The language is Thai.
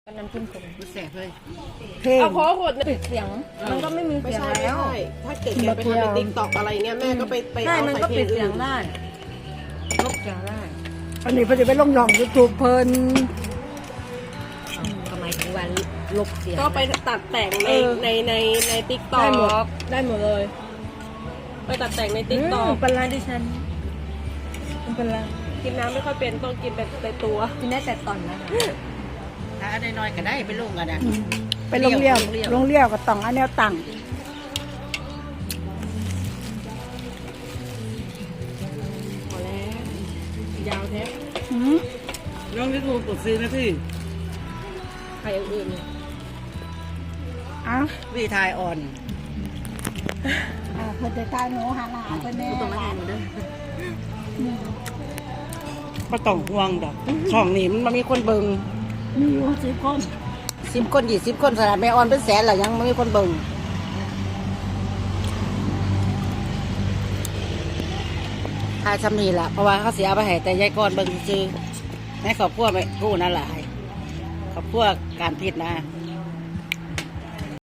น้ำจิ้มขมกูแสบเลยเพลงเอาโค้กหมดปิดเสียง มันก็ไม่มีไม่เสียงใช่ไม่แล้วใช่ถ้าเกิดแกไปทำในติ๊กต็อกอะไรเงี้ยแม่ก็ไปใช่เอามันใส่ก็เพลปิงดเสีอื่ยงนได้ลบเสียงได้อันนี้เพิ่นจะไปลงย่องยูทูบเพิ่นทำไมถึงวันลบเสียงก็ไปตัดแต่งในติ๊กต็อได้หมดกได้หมดเลยไปตัดแต่งในติ๊กต็อกเป็นไรดิฉันเป็นไรกินน้ำไม่ค่อยเป็นต้องกินแต่ตัวกินได้แต่ตอนนะคะถ้าได้น้อยก็ได้ไปลงกันนะไปลงเลี้ยวก็ต้องอันแนวตั้งพอแล้วยาวแท้อืมน้องนี่กูกดซื้อนะพี่ใครอย่างอื่นเนี่ยอ้าววีทายอ่อนเพิ่นจะตายหนูหาหลานเพิ่นแน่ตรงนั้นเองเด้อก็ต้องห่วงดอกช่องนี้มันมีคนเบิงมีอยู่10 คน 10 คน20 คนสนามแม่อ่อนเป็นแสนหรอยังไม่มีคนเบิงทายชำนีล่ะเพราะว่าเขาเสียไปให้แต่ยายก่อนเบิงซื้อในครอบครัวไม่กู้นั่นแหละครอบครัวการผิดนะ